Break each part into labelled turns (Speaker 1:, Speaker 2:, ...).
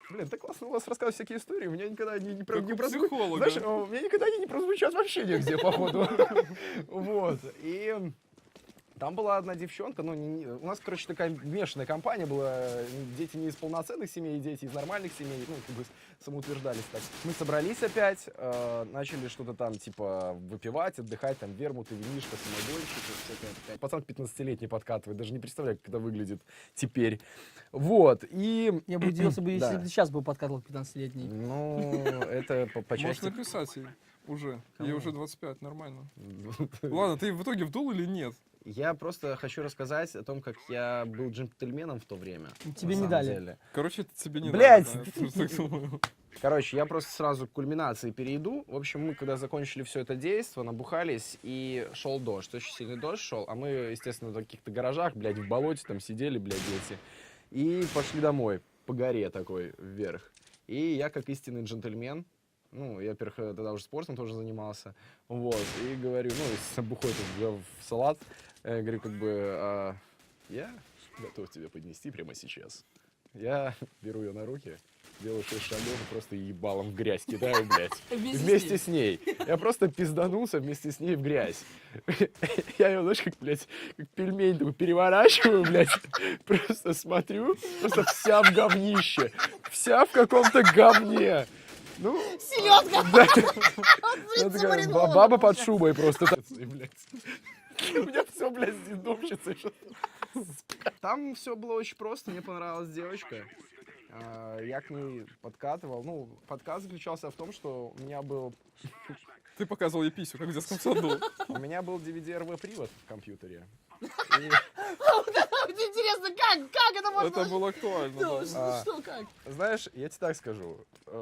Speaker 1: Блин, так классно у вас рассказывать всякие истории, у меня никогда не
Speaker 2: Как у
Speaker 1: прозвучат.
Speaker 2: психолога.
Speaker 1: Знаешь, у меня никогда они не прозвучат вообще нигде, походу. Вот, и... Там была одна девчонка, ну, у нас, короче, такая мешанная компания была, дети не из полноценных семей, дети из нормальных семей, ну, как бы самоутверждались так. Мы собрались опять, начали что-то там, типа, выпивать, отдыхать, там, вермуты, винишко, самогонщик, всякая такая. Пацан 15-летний подкатывает, даже не представляю, как это выглядит теперь. Вот, и...
Speaker 3: Я бы удивился бы, если
Speaker 1: Да.
Speaker 3: бы ты сейчас бы подкатывал 15-летний.
Speaker 1: Ну, это по
Speaker 2: Можешь
Speaker 1: части...
Speaker 2: написать ей уже. Ей
Speaker 1: Кому?
Speaker 2: уже 25, нормально. Ладно, ты в итоге вдул или нет?
Speaker 1: Я просто хочу рассказать о том, как я был джентльменом в то время.
Speaker 3: Тебе
Speaker 1: на
Speaker 3: не
Speaker 1: самом
Speaker 3: дали.
Speaker 1: деле.
Speaker 2: Короче, это тебе не
Speaker 1: Блядь!
Speaker 2: надо. Да, я тоже так думаю.
Speaker 1: Короче, я просто сразу к кульминации перейду. В общем, мы когда закончили все это действо, набухались, и шел дождь. Очень сильный дождь шел, а мы, естественно, в каких-то гаражах, блядь, в болоте там сидели, блядь, дети. И пошли домой, по горе такой, вверх. И я, как истинный джентльмен, ну, я, во-первых, тогда уже спортом тоже занимался, вот, и говорю, ну, с бухой тут в салат, говорю, как бы, я готов тебя поднести прямо сейчас. Я беру ее на руки, делаю 6 шагов и просто ебалом в грязь кидаю, блядь. Вместе с ней. Я просто пизданулся вместе с ней в грязь. Я ее, знаешь, как, блядь, как пельмень такой переворачиваю, блядь. Просто смотрю, просто вся в говнище. Вся в каком-то говне. Ну,
Speaker 3: Селедка!
Speaker 1: да. Ну, такая баба под шубой просто. Блядь. У меня все, блядь, с дедовщицей. Там все было очень просто, мне понравилась девочка. Я к ней подкатывал. Ну, подкат заключался в том, что у меня был...
Speaker 2: Ты показывал ей писю, как в детском саду.
Speaker 1: У меня был DVD-RV-привод в компьютере.
Speaker 3: Интересно, как это можно?
Speaker 2: Это было актуально.
Speaker 3: Ну,
Speaker 2: да.
Speaker 3: что, как?
Speaker 1: Знаешь, я тебе так скажу.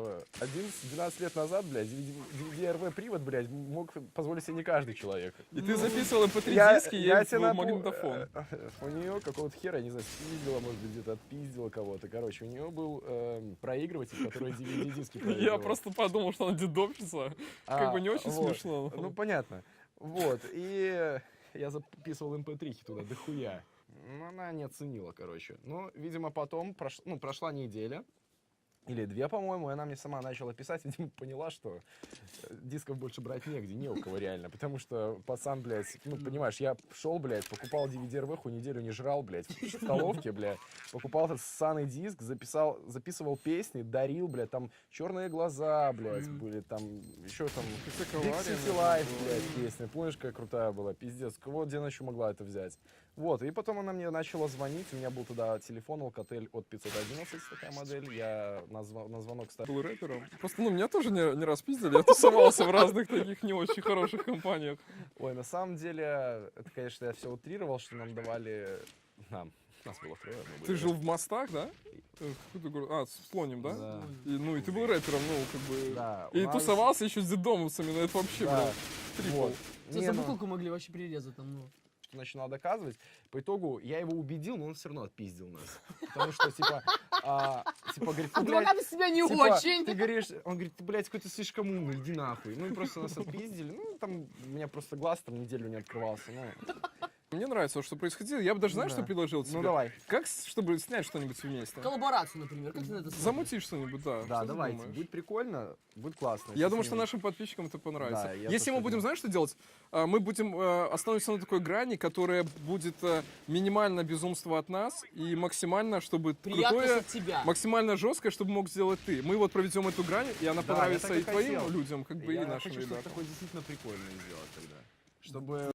Speaker 1: 11-12 лет назад, блядь, DVD-RV-привод, блядь, мог позволить себе не каждый человек.
Speaker 2: И ты записывал MP3 диски ей в магнитофон.
Speaker 1: У нее какого-то хера, не знаю, спиздила, может быть, где-то отпиздила кого-то. Короче, у нее был проигрыватель, который DVD-диски проигрывал.
Speaker 2: Я просто подумал, что она дедовщица. Как бы не очень
Speaker 1: вот.
Speaker 2: смешно.
Speaker 1: Ну, понятно. Вот, и я записывал MP3 туда, дохуя. Но она не оценила, короче. Ну, видимо, потом прошла неделя. Или 2, по-моему, и она мне сама начала писать, видимо, поняла, что дисков больше брать негде, не у кого реально, потому что пацан, блядь, ну, понимаешь, я шел, блядь, покупал DVD-РВХу, неделю не жрал, блядь, в столовке, блядь, покупал этот ссаный диск, записывал песни, дарил, блядь, там «Черные глаза», блядь, были, там, еще там «Big City Life», блядь, песня, помнишь, какая крутая была, пиздец, вот где она еще могла это взять. Вот, и потом она мне начала звонить, у меня был туда телефон Alcatel от 511, такая модель, я на звонок ставил.
Speaker 2: Был рэпером. Просто, ну, меня тоже не раз пиздили, я тусовался в разных таких не очень хороших компаниях.
Speaker 1: Ой, на самом деле, это, конечно, я все утрировал, что нам давали... Нас было 3.
Speaker 2: Ты жил в Мостах, да? Какой-то город? А, с Слоним, да?
Speaker 1: Да.
Speaker 2: И ты был рэпером, ну, как бы...
Speaker 1: Да, у
Speaker 2: И
Speaker 1: нас-
Speaker 2: тусовался еще с дедомовцами, ну, это вообще,
Speaker 1: Да,
Speaker 2: блядь, трипл.
Speaker 1: вот.
Speaker 3: Тебе
Speaker 1: Не,
Speaker 3: за
Speaker 1: ну,
Speaker 3: бутылку могли вообще перерезать там, ну.
Speaker 1: что начинал доказывать. По итогу я его убедил, но он все равно отпиздил нас. Потому что, типа, говорит, ты, блядь,
Speaker 3: Адвокаты себя не
Speaker 1: типа,
Speaker 3: очень.
Speaker 1: ты говоришь, он говорит, ты, блядь, какой-то слишком умный, иди нахуй. Ну, и просто нас отпиздили. Ну, там, у меня просто глаз там неделю не открывался. Ну,
Speaker 2: Мне нравится, что происходило. Я бы даже, знаешь,
Speaker 1: Да.
Speaker 2: что предложил тебе?
Speaker 1: ну давай.
Speaker 2: Как, чтобы снять что-нибудь вместе?
Speaker 3: Коллаборацию, например. Как ты на это смотришь?
Speaker 2: Замути что-нибудь, да.
Speaker 1: Да,
Speaker 2: Что ты
Speaker 1: давайте.
Speaker 2: думаешь?
Speaker 1: Будет прикольно, будет классно.
Speaker 2: Я думаю,
Speaker 1: с
Speaker 2: что
Speaker 1: ними-
Speaker 2: нашим подписчикам это понравится.
Speaker 1: Да, я
Speaker 2: Если мы
Speaker 1: тоже
Speaker 2: будем,
Speaker 1: думаю.
Speaker 2: знаешь, что делать? Мы будем остановимся на такой грани, которая будет минимально безумство от нас и максимально, чтобы
Speaker 3: Приятность
Speaker 2: крутое,
Speaker 3: от тебя.
Speaker 2: максимально жесткое, чтобы мог сделать ты. Мы вот проведем эту грань, и она
Speaker 1: Да,
Speaker 2: понравится
Speaker 1: я так
Speaker 2: и
Speaker 1: и
Speaker 2: твоим
Speaker 1: хотел.
Speaker 2: людям, как бы и
Speaker 1: Я
Speaker 2: нашим
Speaker 1: хочу что-то
Speaker 2: ребятам.
Speaker 1: такое действительно прикольное сделать тогда. Чтобы